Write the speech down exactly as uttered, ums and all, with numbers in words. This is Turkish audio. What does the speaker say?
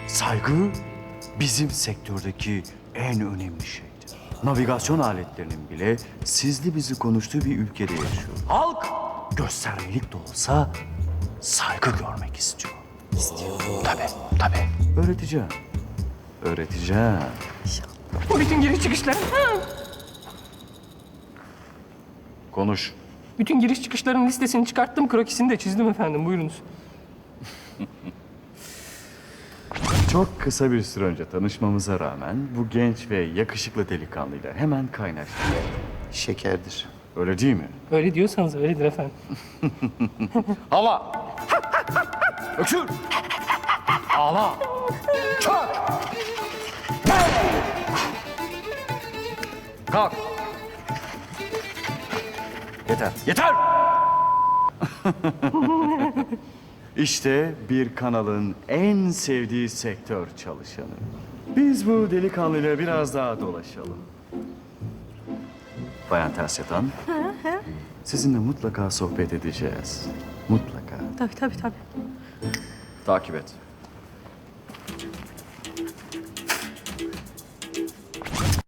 Saygı bizim sektördeki en önemli şeydir. Navigasyon aletlerinin bile sizli bizi konuştuğu bir ülkede yaşıyor. Halk göstermelik de olsa saygı görmek istiyor. İstiyor. Tabii, tabii. Öğreteceğim. Öğreteceğim. Bu bütün giriş çıkışların... Konuş. Bütün giriş çıkışların listesini çıkarttım, krokisini de çizdim efendim. Buyurunuz. Çok kısa bir süre önce tanışmamıza rağmen bu genç ve yakışıklı delikanlıyla hemen kaynaştık. Şekerdir. Öyle değil mi? Öyle diyorsanız öyledir efendim. Hava! Öksür! Ağla! Çök! Kalk! Yeter, yeter! İşte bir kanalın en sevdiği sektör çalışanı. Biz bu delikanlıyla biraz daha dolaşalım. Bayan Ters Yatan, sizinle mutlaka sohbet edeceğiz. Mutlaka. Tabii tabii tabii. Takip et.